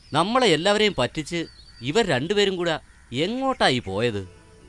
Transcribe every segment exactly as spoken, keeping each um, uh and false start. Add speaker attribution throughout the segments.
Speaker 1: നമ്മളെ എല്ലാവരെയും പറ്റിച്ച് ഇവർ രണ്ടുപേരും കൂടെ എങ്ങോട്ടായി പോയത്?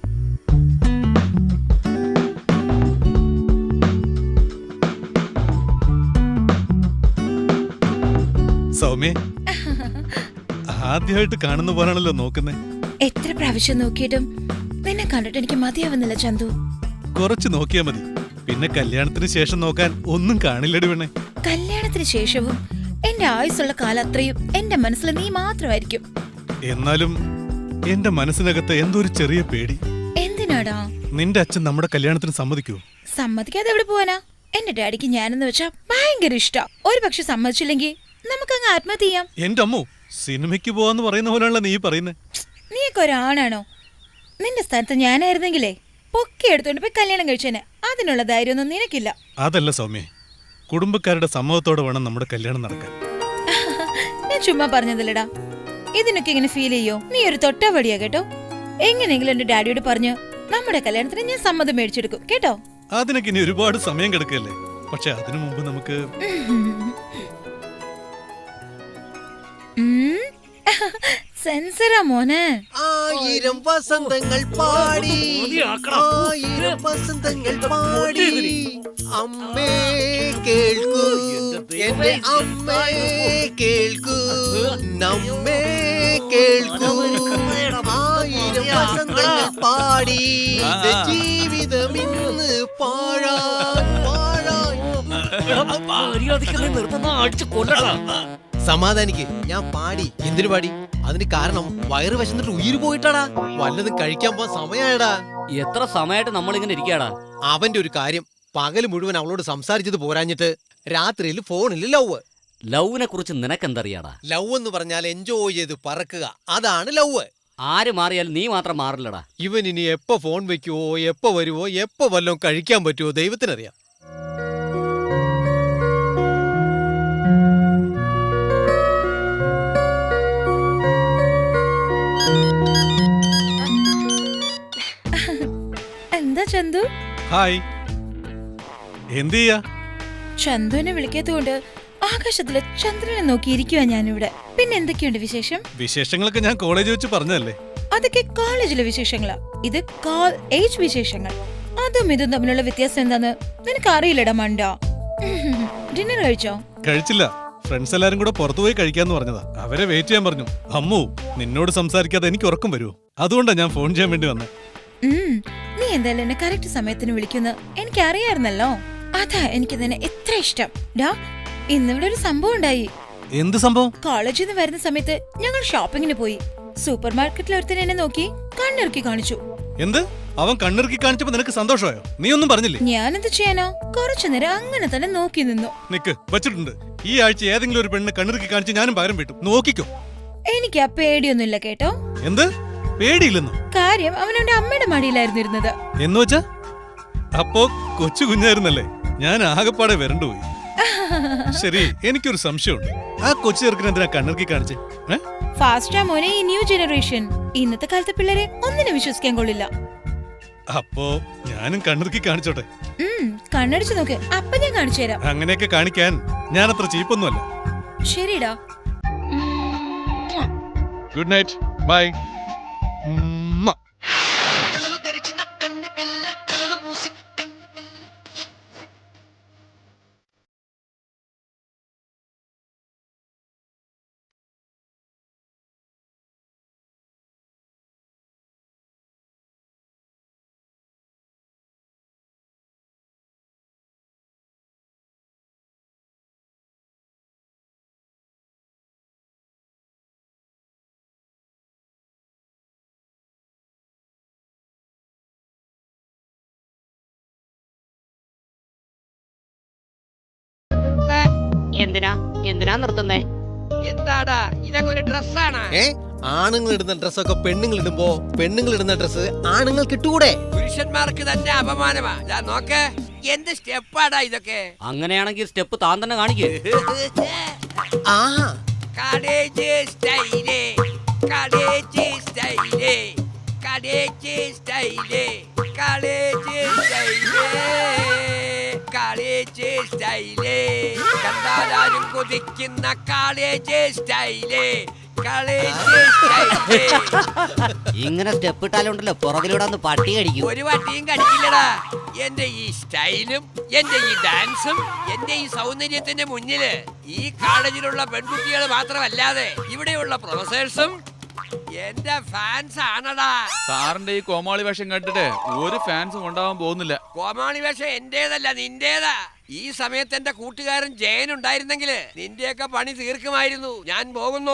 Speaker 2: സൗമ്യ, ആദ്യമായിട്ട് കാണുന്ന പോലാണല്ലോ നോക്കുന്നേ.
Speaker 3: എത്ര പ്രാവശ്യം നോക്കിയിട്ടും നിന്നെ കണ്ടിട്ട് എനിക്ക് മതിയാവുന്നില്ല ചന്തു.
Speaker 2: കുറച്ച് നോക്കിയാ മതി, പിന്നെ കല്യാണത്തിന് ശേഷം നോക്കാൻ ഒന്നും കാണില്ലടി വേണേ.
Speaker 3: കല്യാണത്തിന് ശേഷവും എന്റെ ആയുസുള്ള കാലം അത്രയും എന്റെ മനസ്സിൽ നീ മാത്രമായിരിക്കും.
Speaker 2: എന്നാലും എന്റെ മനസ്സിനകത്ത് എന്തോ ഒരു ചെറിയ പേടി.
Speaker 3: എന്തിനാടാ?
Speaker 2: നിന്റെ അച്ഛൻ നമ്മുടെ കല്യാണത്തിന് സമ്മതിക്കൂ?
Speaker 3: സമ്മതിക്കാതെ എവിടെ പോവാനാ? എന്റെ ഡാഡിക്ക് ഞാനെന്ന് വെച്ചാ ഭയങ്കര ഇഷ്ടാ. ഒരു പക്ഷെ സമ്മതിച്ചില്ലെങ്കിൽ നമുക്കങ്ങ് ആത്മഹത്യ ചെയ്യാം.
Speaker 2: എന്റെ അമ്മോ, സിനിമയ്ക്ക് പോവാന്ന് പറയുന്ന പോലെയാണല്ലോ നീ പറയുന്നേ.
Speaker 3: നീയൊക്കെ ഒരാണാണോ? നിന്റെ സ്ഥാനത്ത് ഞാനായിരുന്നെങ്കിലേ പൊക്കി എടുത്തോണ്ട് പോയി കല്യാണം കഴിച്ചേനെ. അതിനുള്ള ധൈര്യമൊന്നും നിനക്കില്ല.
Speaker 2: അതല്ല സൗമ്യ, കുടുംബക്കാരുടെ സമ്മതത്തോടെ വേണം നമ്മുടെ കല്യാണം നടക്കാൻ.
Speaker 3: ഞാൻ ചുമ്മാ പറഞ്ഞതല്ലടാ. ഇതിനൊക്കെ ഇങ്ങനെ ഫീൽ ചെയ്യോ? നീ ഒരു തൊട്ടവടിയാ കേട്ടോ. എങ്ങനെയെങ്കിലും എന്റെ ഡാഡിയോട് പറഞ്ഞു നമ്മുടെ കല്യാണത്തിന് ഞാൻ സമ്മതം മേടിച്ചെടുക്കും കേട്ടോ.
Speaker 2: അതിനൊക്കെ ഇനി ഒരുപാട് സമയം കിടക്കല്ലേ. പക്ഷെ അതിനു മുമ്പ് നമുക്ക്
Speaker 3: സെൻസറാ മോനെ.
Speaker 4: ആയിരം വസന്തങ്ങൾ പാടി, ആയിരം വസന്തങ്ങൾ പാടി, അമ്മേ കേൾക്കൂ, എന്റെ അമ്മേ കേൾക്കൂ, നമ്മേ കേൾക്കൂ, ആയിരം വസന്തങ്ങൾ പാടി, ജീവിതം ഇന്ന് പാഴാൻ പാഴാൻ. സമാധാനിക്ക്, ഞാൻ പാടി. എന്തിനു പാടി? അതിന് കാരണം വയറ് വശന്നിട്ട് ഉയിര് പോയിട്ടാടാ. വല്ലതും കഴിക്കാൻ പോവാൻ സമയമായടാ.
Speaker 1: എത്ര സമയമായിട്ട് നമ്മളിങ്ങനെ ഇരിക്കാടാ?
Speaker 4: അവന്റെ ഒരു കാര്യം, പകല് മുഴുവൻ അവളോട് സംസാരിച്ചത് പോരാഞ്ഞിട്ട് രാത്രിയിൽ ഫോണിൽ ലവ്.
Speaker 1: ലവിനെ കുറിച്ച് നിനക്കെന്തറിയാടാ?
Speaker 4: ലവ് എന്ന് പറഞ്ഞാൽ എൻജോയ് ചെയ്ത് പറക്കുക, അതാണ് ലവ്.
Speaker 1: ആര് മാറിയാലും നീ മാത്രം മാറില്ലടാ.
Speaker 4: ഇവൻ ഇനി എപ്പോ ഫോൺ വെക്കുവോ, എപ്പോ വരുവോ, എപ്പോ വല്ലതും കഴിക്കാൻ പറ്റുമോ ദൈവത്തിനറിയാം.
Speaker 3: എന്താ ചന്തു?
Speaker 2: ഹായ്, എന്ത് ചെയ്യാ?
Speaker 3: ചന്തുവിനെ വിളിക്കാത്തതുകൊണ്ട് ആകാശത്തിലെ ചന്ദ്രനെ നോക്കിയിരിക്കുവാ ഞാനിവിടെ. പിന്നെ എന്തൊക്കെയുണ്ട് വിശേഷം?
Speaker 2: വിശേഷങ്ങളൊക്കെ ഞാൻ കോളേജ് വെച്ച് പറഞ്ഞതല്ലേ.
Speaker 3: അതൊക്കെ കോളേജിലെ വിശേഷങ്ങളാ. ഇത് കോൾ ഏജ് വിശേഷങ്ങൾ. അതും ഇതും തമ്മിലുള്ള വ്യത്യാസം എന്താന്ന് നിനക്ക് അറിയില്ലടാ മണ്ട. ഡിന്നർ കഴിച്ചോ?
Speaker 2: കഴിച്ചില്ല. ഫ്രണ്ട്സ് എല്ലാരും കൂടെ പുറത്തുപോയി കഴിക്കാന്ന് പറഞ്ഞതാ. അവരെ വെയിറ്റ് ചെയ്യാൻ പറഞ്ഞു. അമ്മു, നിന്നോട് സംസാരിക്കാതെ എനിക്ക് ഉറക്കം വരുമോ? അതുകൊണ്ടാ ഞാൻ ഫോൺ ചെയ്യാൻ വേണ്ടി വന്നേ.
Speaker 3: നീ എന്തായാലും എന്നെ കറക്റ്റ് സമയത്തിന് വിളിക്കുന്ന എനിക്ക് അറിയായിരുന്നല്ലോ. അതാ എനിക്ക് നിന്നെ എത്ര ഇഷ്ടം. ഡാ, ഇന്നിവിടെ ഒരു സംഭവം ഉണ്ടായി.
Speaker 2: എന്ത് സംഭവം?
Speaker 3: കോളേജിൽ നിന്ന് വരുന്ന സമയത്ത് ഞങ്ങൾ ഷോപ്പിങ്ങിന് പോയി. സൂപ്പർ മാർക്കറ്റിൽ ഒരുത്തൻ എന്നെ നോക്കി കണ്ണിറുക്കി കാണിച്ചു.
Speaker 2: എന്ത്? അവൻ കണ്ണിറുക്കി കാണിച്ചപ്പോ നിനക്ക് സന്തോഷമായോ? നീ ഒന്നും പറഞ്ഞില്ലേ?
Speaker 3: ഞാനെന്ത് ചെയ്യാനോ? കുറച്ചു നേരം അങ്ങനെ തന്നെ നോക്കി നിന്നു.
Speaker 2: നിക്ക്, വച്ചിട്ടുണ്ട്. ഈ ആഴ്ച ഏതെങ്കിലും ഒരു പെണ്ണ് കണ്ണിറുക്കി കാണിച്ച് ഞാനും പകരം വീട്ടും. നോക്കിക്കോ.
Speaker 3: എനിക്ക് ആ പേടിയൊന്നുമില്ല കേട്ടോ.
Speaker 2: എന്ത് പേടിയില്ലെന്നോ?
Speaker 3: കാര്യം അവനവന്റെ അമ്മയുടെ മടിയിലായിരുന്നു ഇരുന്നത്.
Speaker 2: എന്ന് വെച്ചാ അപ്പോ കൊച്ചു കുഞ്ഞായിരുന്നല്ലേ? ഞാൻ ആകെപ്പാടെ വരണ്ടുപോയി. ശരി, എനിക്കൊരു സംശയമുണ്ട്. ആ കൊച്ചു ചെറുക്കിന് എന്തിനാ കണ്ണിറുക്കി കാണിച്ചേ?
Speaker 3: ഫാസ്റ്റാ മോനെ ഈ ന്യൂ ജനറേഷൻ. ഇന്നത്തെ കാലത്തെ പിള്ളേരെ ഒന്നിനെ വിശ്വസിക്കാൻ കൊള്ളില്ല.
Speaker 2: അപ്പോ ഞാനും കണ്ണിറുക്കി കാണിച്ചോട്ടെ?
Speaker 3: കണ്ണടിച്ചു നോക്ക്, അപ്പൊ ഞാൻ കാണിച്ചു തരാം.
Speaker 2: അങ്ങനെയൊക്കെ കാണിക്കാൻ ഞാൻ അത്ര ചീപ്പൊന്നുമല്ല.
Speaker 3: ശരിടാ.
Speaker 2: Good night, bye.
Speaker 5: എന്തിനാ എന്തിനാ നിർത്തുന്നേ?
Speaker 6: എന്താടാ ഇതൊക്കെ ഒരു ഡ്രസ്സാണ്?
Speaker 4: ഏ, ആണുങ്ങൾ ഇടുന്ന ഡ്രസ്സൊക്കെ പെണ്ണുങ്ങൾ ഇടുമ്പോ പെണ്ണുങ്ങൾ ഇടുന്ന ഡ്രസ്സ് ആണുങ്ങൾ കിട്ടൂടെ?
Speaker 6: പുരുഷന്മാർക്ക് തന്നെ അപമാനമാ. നോക്ക്, എന്ത് സ്റ്റെപ്പാടാ ഇതൊക്കെ?
Speaker 1: അങ്ങനെയാണെങ്കിൽ സ്റ്റെപ്പ് താൻ തന്നെ കാണിക്കേ.
Speaker 4: ആ,
Speaker 6: കടേജ് സ്റ്റൈലേ, കടേജ് സ്റ്റൈലേ, കടേജ് സ്റ്റൈലേ, കടേജ് സ്റ്റൈലേ, കടേജ് സ്റ്റൈലേ, കണ്ടാലും കൊതിക്കുന്ന കടേജ് സ്റ്റൈലേ, കളിച്ച് സ്റ്റൈല്.
Speaker 1: ഇങ്ങനെ സ്റ്റെപ്പ് ഇട്ടാലുണ്ടല്ലോ പുറകിലൂടെ ഒന്ന് പട്ടി കടിക്കും.
Speaker 6: ഒരു വട്ടിയും കടിക്കില്ലടാ. എന്റെ ഈ സ്റ്റൈലും എന്റെ ഈ ഡാൻസും എന്റെ ഈ സൗന്ദര്യത്തിന്റെ മുന്നില് ഈ കോളേജിലുള്ള പെൺകുട്ടികൾ മാത്രമല്ലാതെ ഇവിടെയുള്ള പ്രൊഫസേഴ്സും എന്റെ ഫാൻസ് ആണടാ.
Speaker 5: സാറിന്റെ ഈ കോമാളി വേഷം കണ്ടിട്ട് ഒരു ഫാൻസും ഉണ്ടാവാൻ പോകുന്നില്ല.
Speaker 6: കോമാളി വേഷം എന്റേതല്ല നിന്റേതാ. ഈ സമയത്ത് എന്റെ കൂട്ടുകാരൻ ജയൻ ഉണ്ടായിരുന്നെങ്കില് നിന്റെയൊക്കെ പണി തീർക്കുമായിരുന്നു. ഞാൻ പോകുന്നു.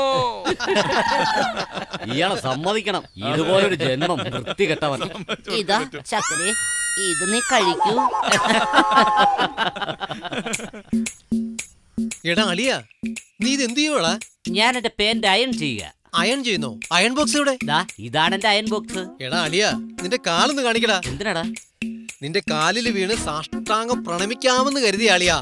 Speaker 1: ഇയാളെ സമ്മതിക്കണം, ഇതുപോലൊരു ജന്മം വൃത്തികെട്ടവൻ.
Speaker 7: ഇതാ ചക്കരെ, ഇത് നീ കഴിക്കൂ.
Speaker 4: എടാ അളിയ, നീ ഇത് എന്ത് ചെയ്യുവാടാ?
Speaker 1: ഞാൻ എന്റെ പേന്റ് അയൺ ചെയ്യുക.
Speaker 4: അയൺ ചെയ്യുന്നോ? അയൺ ബോക്സ് എവിടെ?
Speaker 1: ദാ ഇതാണ് എന്റെ അയൺ ബോക്സ്.
Speaker 4: എടാ അളിയ, നിന്റെ കാലൊന്ന് കാണിക്കടാ.
Speaker 1: എന്തിനാടാ?
Speaker 4: നിന്റെ കാലിൽ വീണ് സാഷ്ടാംഗം പ്രണമിക്കാമെന്ന് കരുതിയ ആളിയാ.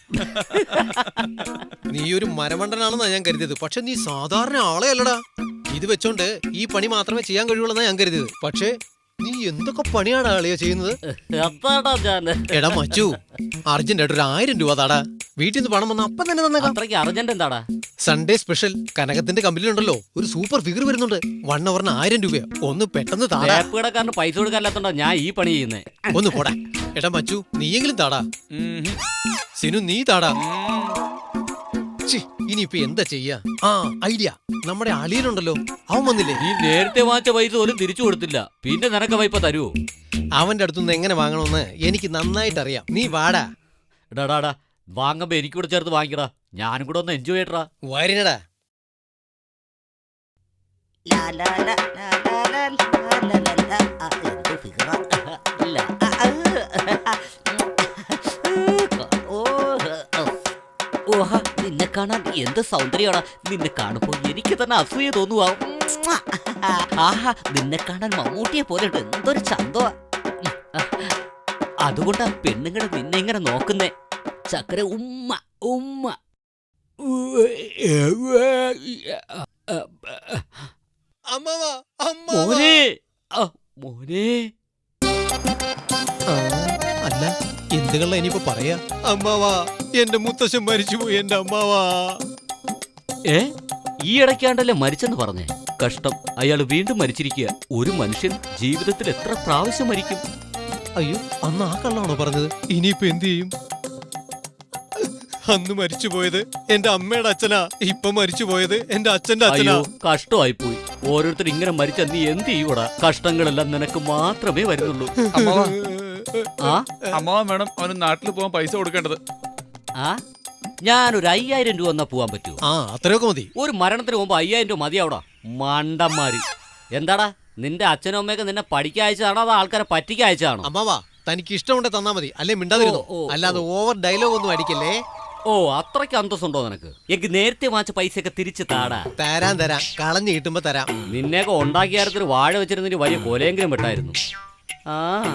Speaker 4: നീ ഒരു മരമണ്ടനാണെന്നാ ഞാൻ കരുതിയത്. പക്ഷെ നീ സാധാരണ ആളെ അല്ലടാ. ഇത് വെച്ചോണ്ട് ഈ പണി മാത്രമേ ചെയ്യാൻ കഴിയുള്ളൂ ഞാൻ കരുതിയത്. പക്ഷേ നീ എന്തൊക്കെ പണിയാണ് ആളിയാ ചെയ്യുന്നത്?
Speaker 1: അതാടാ ഞാൻ.
Speaker 4: എടാ മച്ചു, അർജന്റ് ആയിട്ട് ഒരു ആയിരം രൂപ താടാ. വീട്ടിൽ നിന്ന് പണം വന്ന അപ്പം തന്നെ തന്നേക്കാം.
Speaker 1: അത്രയ്ക്ക് അർജന്റ് എന്താടാ?
Speaker 4: സൺഡേ സ്പെഷ്യൽ കനകത്തിന്റെ കമ്പനിയിലുണ്ടല്ലോ ഒരു സൂപ്പർ ഫിഗർ വരുന്നുണ്ട്. വൺ അവറിന് ആയിരം രൂപ. ഒന്ന് പെട്ടെന്ന് താടാ.
Speaker 1: ടാപ്പ് കടക്കാരന് പൈസ കൊടുക്കാല്ലാത്തോണ്ടാ ഞാൻ ഈ പണി ചെയ്യുന്നേ.
Speaker 4: ഒന്ന് പോടാ. എടാ മച്ചു, നീയെങ്കിലും താടാ. സിനു നീ താടാ. ഛി, ഇനിയിപ്പൊ എന്താ ചെയ്യാ? ആ ഐഡിയ. നമ്മുടെ അളിയനുണ്ടല്ലോ, അവൻ വന്നില്ലേ?
Speaker 1: നീ നേരത്തെ വാങ്ങിച്ച പൈസ പോലും തിരിച്ചു കൊടുത്തില്ല, പിന്നെ നിനക്ക് പൈപ്പ തരുവോ?
Speaker 4: അവന്റെ അടുത്തുനിന്ന് എങ്ങനെ വാങ്ങണമെന്ന് എനിക്ക് നന്നായിട്ട് അറിയാം. നീ വാടാ.
Speaker 1: എടാടാടാ, വാങ്ങുമ്പോ എനിക്ക് കൂടെ ചേർത്ത് വാങ്ങിക്കടാ. ഞാനും കൂടെ ഒന്ന് എൻജോയ് ചെയ്യട്ടാ.
Speaker 4: വരിനടാ.
Speaker 7: ലാ, ലാ, ലാ, ലാ, ലാ, ലാ, ലാ, ലാ, ലാ, ലാ. ആ, എന്ത് ഫിഗറാ. ഇല്ല. ആ, ആ, ഓ, ഓഹ, നിന്നെ കാണാൻ എന്ത് സൗന്ദര്യമാണ്. നിന്നെ കാണുമ്പോ എനിക്ക് തന്നെ അസൂയ തോന്നുവാ. ആഹാ, നിന്നെ കാണാൻ മമ്മൂട്ടിയെ പോലെ ഉണ്ട്. എന്തൊരു ചന്തമാ. അതുകൊണ്ടാ പെണ്ണുങ്ങളെ നിന്നെ ഇങ്ങനെ നോക്കുന്നേ. ചക്കര ഉമ്മ ഉമ്മ.
Speaker 4: അമ്മവാ, അമ്മവാ.
Speaker 1: മോനെ, ആ, മോനെ.
Speaker 4: ആ, അല്ല എന്തുകള ഇനിയിപ്പോ പറയാ? അമ്മാവാ, എന്റെ മുത്തശ്ശൻ മരിച്ചുപോയി. എന്റെ അമ്മാവാ.
Speaker 1: ഏ, ഈ ഇടയ്ക്കാണ്ടല്ലേ മരിച്ചെന്ന് പറഞ്ഞേ. കഷ്ടം, അയാൾ വീണ്ടും മരിച്ചിരിക്കുക. ഒരു മനുഷ്യൻ ജീവിതത്തിൽ എത്ര പ്രാവശ്യം മരിക്കും?
Speaker 4: അയ്യോ, അന്ന് ആ കള്ളാണോ പറഞ്ഞത്? ഇനിയിപ്പോ എന്ത് ചെയ്യും? അന്ന് മരിച്ചുപോയത് എന്റെ അമ്മയുടെ അച്ഛനാ. ഇപ്പൊ മരിച്ചുപോയത് എന്റെ അച്ഛന്റെ അച്ഛനാ.
Speaker 1: അയ്യോ, കഷ്ടമായി പോയി. ഓരോരുത്തർ ഇങ്ങനെ മരിച്ച നീ എന്ത് ചെയ്യൂടാ? കഷ്ടങ്ങളെല്ലാം നിനക്ക് മാത്രമേ വരുന്നുള്ളൂ.
Speaker 5: അമ്മാവാ,
Speaker 1: ആ
Speaker 5: അമ്മാവൻ വേണം അവന് നാട്ടിൽ പോകാൻ പൈസ കൊടുക്കേണ്ടത്.
Speaker 1: ആ ഞാനൊരു അയ്യായിരം രൂപ എന്നാ പോവാൻ പറ്റുമോ?
Speaker 4: ആ, അത്രയൊക്കെ മതി.
Speaker 1: ഒരു മരണത്തിന് മുമ്പ് അയ്യായിരം രൂപ മതിയാവടാ മണ്ടന്മാരി. എന്താടാ, നിന്റെ അച്ഛനും അമ്മയൊക്കെ നിന്നെ പഠിക്കാൻ അയച്ചതാണോ അതോ ആൾക്കാരെ പറ്റിക്കാൻ അയച്ചതാണോ?
Speaker 4: അമ്മാവാ, തനിക്ക് ഇഷ്ടമുണ്ടെ തന്നാ മതി. അല്ലെ മിണ്ടാതിരുന്നു.
Speaker 1: ഓ, ഓ, ഓ.
Speaker 4: അല്ലാതെ ഓവർ ഡയലോഗ് ഒന്നും അടിക്കല്ലേ.
Speaker 1: ഓ, അത്രയ്ക്ക് അന്തസ്സുണ്ടോ നിനക്ക്? എനിക്ക് നേരത്തെ വാങ്ങിച്ച പൈസയൊക്കെ തിരിച്ച് താടാ.
Speaker 4: തരാൻ തരാം, കളഞ്ഞു കിട്ടുമ്പോ തരാം.
Speaker 1: നിന്നെയൊക്കെ ഉണ്ടാക്കിയ കാര്യത്തിൽ വാഴ വെച്ചിരുന്നതിന് വലിയ കൊലയെങ്കിലും വിട്ടായിരുന്നു. ആ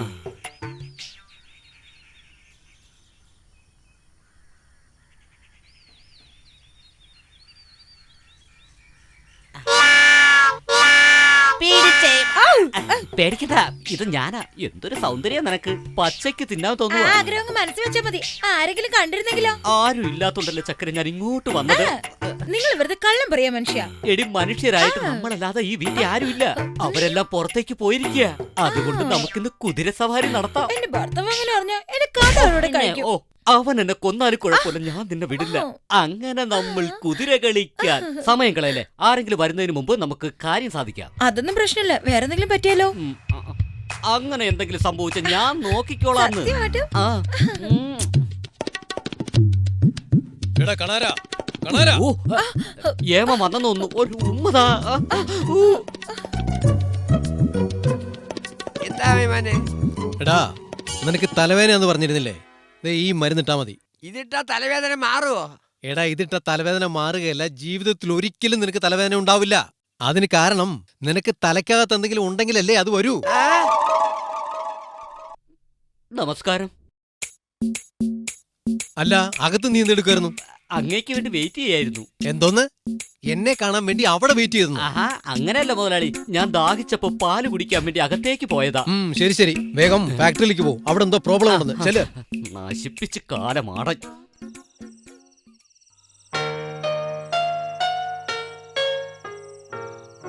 Speaker 1: പേടിക്കണ്ട, ഇത് ഞാനാ. എന്തൊരു സൗന്ദര്യം നിനക്ക്. പച്ചയ്ക്ക് തിന്നാൻ തോന്നുവാ.
Speaker 3: ആഗ്രഹം മനസ്സിൽ വെച്ചാ മതി. ആരെങ്കിലും കണ്ടിരുന്നെങ്കിലോ?
Speaker 1: ആരും ഇല്ലാത്തോണ്ടല്ലേ ചക്കര ഞാൻ ഇങ്ങോട്ട് വന്നത്.
Speaker 3: നിങ്ങൾ വെറുതെ കള്ളം പറയാ മനുഷ്യ.
Speaker 1: എടി, മനുഷ്യരായിട്ട് നമ്മളല്ലാതെ ഈ വീട്ടിൽ ആരുമില്ല. അവരെല്ലാം പുറത്തേക്ക് പോയിരിക്കുക. അതുകൊണ്ട് നമുക്കിന്ന് കുതിര സവാരി നടത്താം.
Speaker 3: എന്റെ ഭർത്താവ് അങ്ങനെ പറഞ്ഞ എന്റെ കഥ അവരോട് കഴിക്കും.
Speaker 1: ഓ, അവൻ എന്നെ കൊന്നാലും കുഴപ്പമില്ല, ഞാൻ നിന്നെ വിടില്ല. അങ്ങനെ നമ്മൾ കുതിര കളിക്കാൻ സമയം കളയല്ലേ. ആരെങ്കിലും വരുന്നതിന് മുമ്പ് നമുക്ക് കാര്യം സാധിക്കാം.
Speaker 3: അതൊന്നും പ്രശ്നമില്ല. വേറെ എന്തെങ്കിലും പറ്റിയാലോ?
Speaker 1: ഉം, ആ, ആ. അങ്ങനെ എന്തെങ്കിലും സംഭവിച്ച ഞാൻ നോക്കിക്കോളാന്ന്.
Speaker 3: സത്യമായിട്ടും?
Speaker 1: ആ, ഉം.
Speaker 4: എടാ കണാരാ, കണാരാ.
Speaker 1: ഓ, ഏമ വന്നെന്ന് തോന്നുന്നു. ഒരു ഉമ്മതാ. ആ, ഊ.
Speaker 6: എന്താ വിമാനെ?
Speaker 4: എടാ, നിനക്ക് തലവേദന എന്ന് പറഞ്ഞിരുന്നില്ലേ? ദേ ഈ മരുന്നിട്ടാ മതി.
Speaker 6: ഇതിട്ടാ തലവേദന മാറുവോ?
Speaker 4: എടാ, ഇതിട്ട തലവേദന മാറുകയല്ല, ജീവിതത്തിൽ ഒരിക്കലും നിനക്ക് തലവേദന ഉണ്ടാവില്ല. അതിന് കാരണം നിനക്ക് തലക്കകത്ത് എന്തെങ്കിലും ഉണ്ടെങ്കിലല്ലേ അത് വരൂ.
Speaker 1: നമസ്കാരം.
Speaker 4: അല്ല, അകത്ത് നീ എന്തെടുക്കായിരുന്നു?
Speaker 1: അങ്ങേക്ക് വേണ്ടി വെയിറ്റ് ചെയ്യായിരുന്നു.
Speaker 4: എന്തോന്ന്? എന്നെ കാണാൻ വേണ്ടി അവിടെ വെയിറ്റ് ചെയ്തു?
Speaker 1: ആഹാ, അങ്ങനെയല്ല മുതലാളി. ഞാൻ ദാഹിച്ചപ്പോ പാല് കുടിക്കാൻ വേണ്ടി അകത്തേക്ക് പോയതാ.
Speaker 4: ഉം, ശരി ശരി, വേഗം ഫാക്ടറിയിലേക്ക് പോ. അവിടെ എന്തോ പ്രോബ്ലം ഉണ്ടെന്ന്. ചെല്.
Speaker 1: നശിപ്പിച്ച് കാലമാടൻ.